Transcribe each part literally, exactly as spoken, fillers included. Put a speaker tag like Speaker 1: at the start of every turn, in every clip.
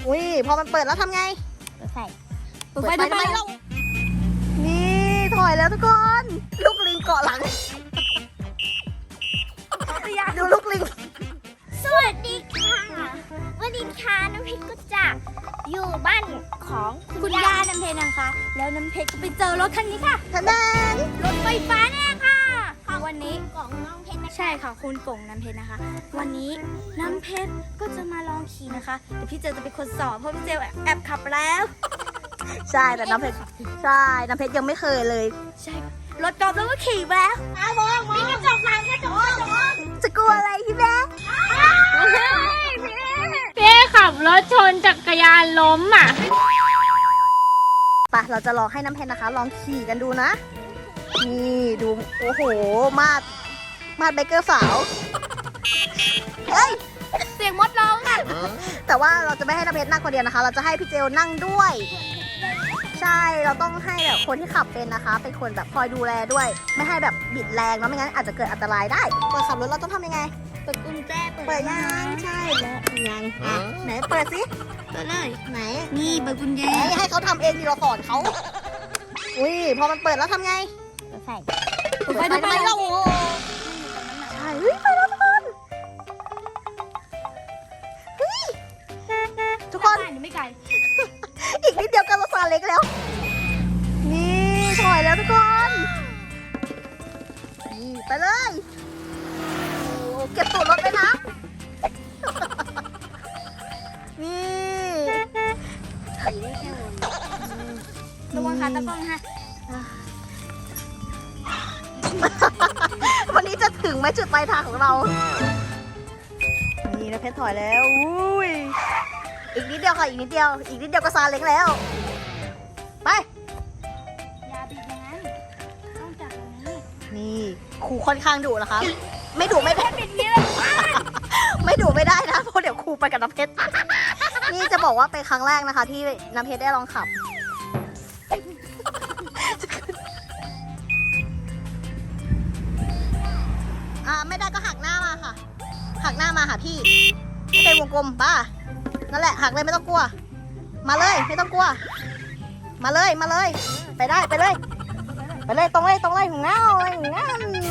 Speaker 1: อุ้ยพอมันเปิดแล้วทำไง
Speaker 2: เปิดไฟ
Speaker 1: เปิดไฟทำไมเรานี่ถอยแล้วทุกคน ลูกลิงเกาะหลังดูลูกลิง
Speaker 2: สวัสดีค่ะวันนี้ค่ะน้ำเพชรก็จะอยู่บ้านของคุณย่าน้ำเพชรนะคะ แล้วน้ำเพชรก็ไปเจอรถคันนี้ค่ะ
Speaker 1: ทะนาน
Speaker 2: รถไฟฟ้าเนี่ยค่ะค่ะวันนี้ของน้องเพชรใช่ค่ะคุณกงน้ำเพชรนะคะ วันนี้น้ำเพชรก็จะมาลองขี่นะคะแต่พี่เจลจะเป็นคนสอนเพราะพี่เจลแอบขับแล้ว
Speaker 1: ใช่แต่น้ำเพชรใช่น้ำเพชรยังไม่เคยเลย
Speaker 2: ใช่ค่ะรถกอล์ฟแล้วก็ขี่แล้วมองมองกระจกหลังกระจกหลัง
Speaker 1: จะกลัวอะไรพี่แม่
Speaker 3: พี่ขับรถชนจักรยานล้มอ่ะ
Speaker 1: ไปเราจะลองให้น้ำเพชรนะคะ ลองขี่กันดูนะ นี่ดูโอ้โหมาดมาดไบเกอร์สาวเฮ้ย
Speaker 2: เสียงมดร้องอ่ะ
Speaker 1: แต่ว่าเราจะไม่ให้น้ำเพชรนั่งคนเดียวนะคะ เราจะให้พี่เจลนั่งด้วย ใช่เราต้องให้แบบคนที่ขับเป็นนะคะ เป็นคนแบบคอยดูแลด้วย ไม่ให้แบบบิดแรงเนาะไม่งั้นอาจจะเกิดอันตรายได้เปิดขับรถเราต้องทำยังไง
Speaker 2: เปิดกุญแจ
Speaker 1: เปิดยังใช่แล้วยังอ่ะไหนเปิดสิ
Speaker 2: เปิดเลย
Speaker 1: ไหน
Speaker 2: นี่เปิดกุญแจ
Speaker 1: ไหนให้เขาทำเองดีเราสอนเขาอุ้ยพอมันเปิดแล้วทำไง
Speaker 2: เปิดไฟ
Speaker 1: เปิดไฟทำไมเราใช่เฮ้ยไปแล้วทุกคนเฮ้ยทุกคน
Speaker 2: ไม่ไกล
Speaker 1: อีกนิดเดียวกันเราซาเล็กแล้ว นี่ถอยแล้วทุกคนนี่ไปเลยโอ้เก็บตูดรถเลยนะ นี่
Speaker 2: ขี่ได้แค่วนระวังขาตะกล้องฮะ
Speaker 1: วันนี้จะถึงไหมจุดปลายทางของเรา นี่นะเพชรถอยแล้วอุ้ยอีกนิดเดียวค่ะอีกนิดเดียว อีกนิดเดียวก็ซาเล็กแล้ว ไป
Speaker 2: อย่าบิดอย่างนั้นต้องจับอย่างนี้
Speaker 1: นี่ครูค่อนข้างดุนะคะ ไม่ดุไม่ได้
Speaker 2: บิดนี้เลย
Speaker 1: ไม่ดุไม่ได้นะเพราะเดี๋ยวครูไปกับน้ำเพชร นี่จะบอกว่าเป็นครั้งแรกนะคะ ที่น้ำเพชรได้ลองขับ อ่าไม่ได้ก็หักหน้ามาค่ะ หักหน้ามาหาพี่ให้เป็นวงกลมป้านั่นแหละหักเลยไม่ต้องกลัว มาเลยไม่ต้องกลัว มาเลยมาเลย ไปได้ไปเลย ไปเลยตรงเลยตรงเลยหัวเงาเลยหัวเงา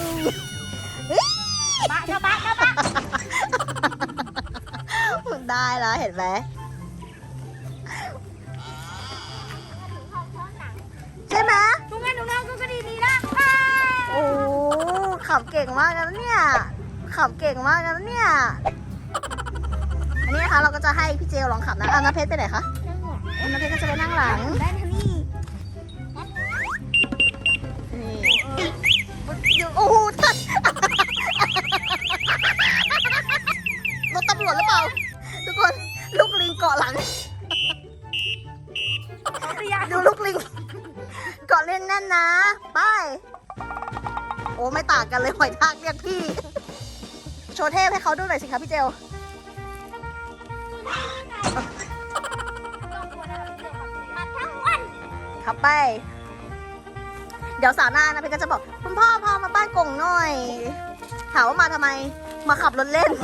Speaker 2: บ้าเจ้าบ้าเจ้าบ้า
Speaker 1: ได้แล้วเห็นไหมใช่ไหม
Speaker 2: ทุกงานทุกงานก็ก็ดีดีนะ
Speaker 1: โอ้ขับเก่งมากนะเนี่ยขับเก่งมากนะเนี่ยอันนี้นะคะเราก็จะให้พี่เจลลองขับนะอ่ะน้ำเพชรไปไหนคะน้ำเพชรก็จะไปนั่งหลัง
Speaker 2: ได้ทันนี่
Speaker 1: นี่โอ้โหทัดรถตำรวจหรือเปล่าทุกคนลูกลิงเกาะหลังดูลูกลิงเกาะเล่นแน่นนะไปโอ้ไม่ต่างกันเลยหอยทากเรียกพี่โชว์เทพให้เขาดูหน่อยสิคะพี่เจลขับไปเดี๋ยวสาวหน้านะพี่ก็จะบอกคุณพ่อพามาบ้านกงหน่อยถามว่ามาทำไมมาขับรถเล่น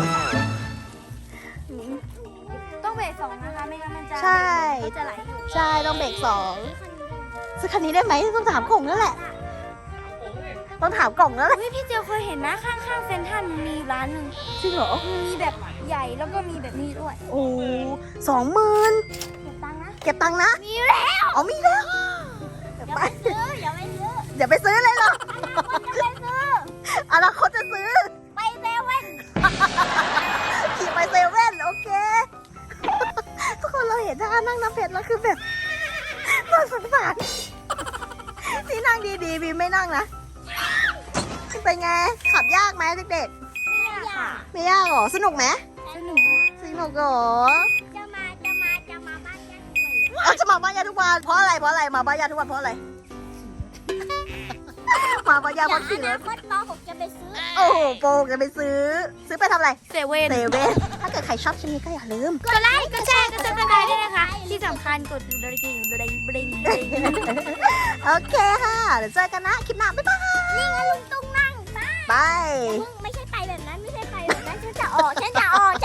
Speaker 2: ต้องเบรกสองนะคะไม่งั้นมันจะ
Speaker 1: ใช่
Speaker 2: มันจะไหลอยู่
Speaker 1: ใช่ต้องเบรกสองซื้อคันนี้ได้ไหมต้องถามกล่องแล้วแหละต้องถามกล่องแล้วแหละ
Speaker 2: เฮ้ยพี่เจียวเคยเห็นนะข้างๆเซ็นทรัลมีร้านหนึ่ง
Speaker 1: จริงเหรอ
Speaker 2: มีแบบใหญ่แล้วก็มีแบบนี้ด้วย
Speaker 1: โอ้สองหมื่น
Speaker 2: เก็บตังค์นะ
Speaker 1: เก็บตังค์นะ
Speaker 2: มีแล้ว
Speaker 1: อ๋อมีแล้วเดี๋ยว
Speaker 2: อย่า
Speaker 1: ไป
Speaker 2: ไปซื้ออย่าไปซื้อ
Speaker 1: เดี๋ยวไปซื้อเลยเหรอ
Speaker 2: อย่าไปซื้อ
Speaker 1: อนาคตจะซื้อ
Speaker 2: ไปเซเว่น
Speaker 1: ขี่ไปเซเว่นโอเค ทุกคนเราเห็นท่านั่งน้ำเพชรแล้วคือแบบน่าสงสารที่นั่งดีๆบีมไม่นั่งนะเป็นไงขับยากไหมเด็ก
Speaker 2: อย่า
Speaker 1: ๆไม่ยากหรอสนุกไหม
Speaker 2: สนุก
Speaker 1: สนุกหรอ
Speaker 2: จะมาจะมาจะมาบ้านแกทุกวัน
Speaker 1: เอาจะมาบ้านยาทุกวันเพราะอะไรเพราะอะไรมาบ้านยาทุกวันเพราะอะไร มาบ้านยาเพราะขี่ร
Speaker 2: อ
Speaker 1: ถ
Speaker 2: นาคตป .หก จะไปซื้อ
Speaker 1: โอ้โหโปงจะไปซื้อ ซื้อไปทำอะไร
Speaker 2: เซเว่น
Speaker 1: เซเว่นถ้าเกิดใครชอบชิ้นนี้ก็อย่าลืม
Speaker 2: กดไลค์กดแชร์กดซับสไครต์ด้วยนะคะ ที่สำคัญกดดูดกริ่งดูดบริงบริง
Speaker 1: โอเคค่ะ เดี๋ยวเจอกันนะคลิปหน้าบ๊ายบาย
Speaker 2: นี่ไงลุงตุ้งนั่ง
Speaker 1: บาย
Speaker 2: ไม่ใช่ไปแบบนั้นไม่ใช่ไปแบบนั้นฉันจะออกฉันจะออก